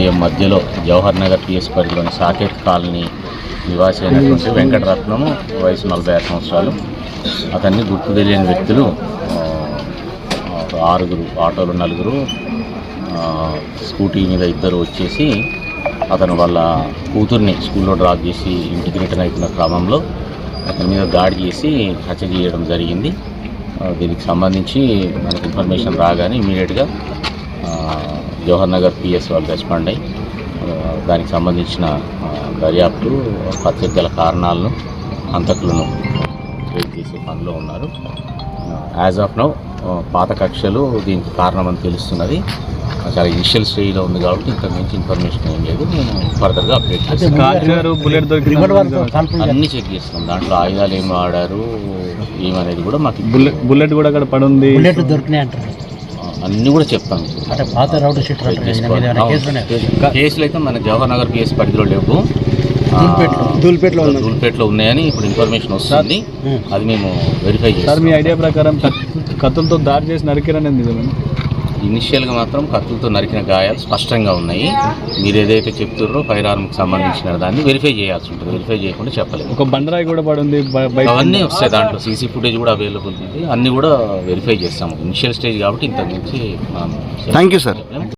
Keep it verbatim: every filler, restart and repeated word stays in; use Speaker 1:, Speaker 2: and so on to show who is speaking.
Speaker 1: AM మధ్యలో Jawahar Nagar PS పరిధిలోని Saketh colony నివాసి అయినటువంటి వెంకటరత్నము, వయసు నలభై ఆరు సంవత్సరాలు. అతన్ని గుర్తు తెలియని వ్యక్తులు ఆరుగురు, ఆటోలు నలుగురు, స్కూటీ మీద ఇద్దరు వచ్చేసి అతను వాళ్ళ కూతుర్ని స్కూల్లో డ్రాప్ చేసి ఇంటికి రిటర్న్ అవుతున్న క్రమంలో అతని మీద దాడి చేసి హత్య చేయడం జరిగింది. దీనికి సంబంధించి మనకు ఇన్ఫర్మేషన్ రాగానే ఇమీడియట్గా జవహర్ నగర్ పిఎస్ వాళ్ళు రెస్పాండ్ అయ్యి దానికి సంబంధించిన దర్యాప్తు, హత్యకు గల కారణాలను, హంతకులను ట్రేస్ చేసే పనిలో ఉన్నారు. యాజ్ ఆఫ్ నౌ పాత కక్షలు దీనికి కారణమని తెలుస్తున్నది. చాలా ఇనిషియల్ స్టేజ్లో ఉంది కాబట్టి ఇంతకు మించి ఇన్ఫర్మేషన్ ఏం లేదు. నేను ఫర్దర్గా అప్డేట్ చేస్తాను. అన్నీ చెక్ చేస్తాం. దాంట్లో ఆయుధాలు ఏం వాడారు ఏమనేది కూడా మాకు
Speaker 2: బుల్లెట్ బుల్లెట్ కూడా అక్కడ పడుంది,
Speaker 3: దొరికినాయి అంటారు.
Speaker 1: అన్నీ కూడా చెప్తాం. కేసులు అయితే మన జవహర్ నగర్ పిఎస్ పరిధిలో లేవు,
Speaker 3: దూల్పేటలో
Speaker 1: దూల్పేటలో ఉన్నాయని ఇప్పుడు ఇన్ఫర్మేషన్ వస్తుంది. అది మేము వెరిఫై చేస్తాం.
Speaker 2: మీ ఐడియా ప్రకారం కత్తులతో దాడి చేసి నరికిరనేది నిజమేనా?
Speaker 1: ఇనిషియల్గా మాత్రం కత్తులతో నరికిన గాయాలు స్పష్టంగా ఉన్నాయి. మీరు ఏదైతే చెప్తున్నారో ఫైర్ ఆర్మ్కి సంబంధించిన దాన్ని వెరిఫై చేయాల్సి ఉంటుంది. వెరిఫై చేయకుండా చెప్పలేదు.
Speaker 2: ఒక బండరాయి కూడా పడుంది,
Speaker 1: అవన్నీ వస్తాయి. దాంట్లో సీసీ ఫుటేజ్ కూడా అవైలబుల్ ఉంది. అన్నీ కూడా వెరిఫై చేస్తాము. ఇనిషియల్ స్టేజ్ కాబట్టి ఇంతకు మించి
Speaker 4: థ్యాంక్ యూ సార్.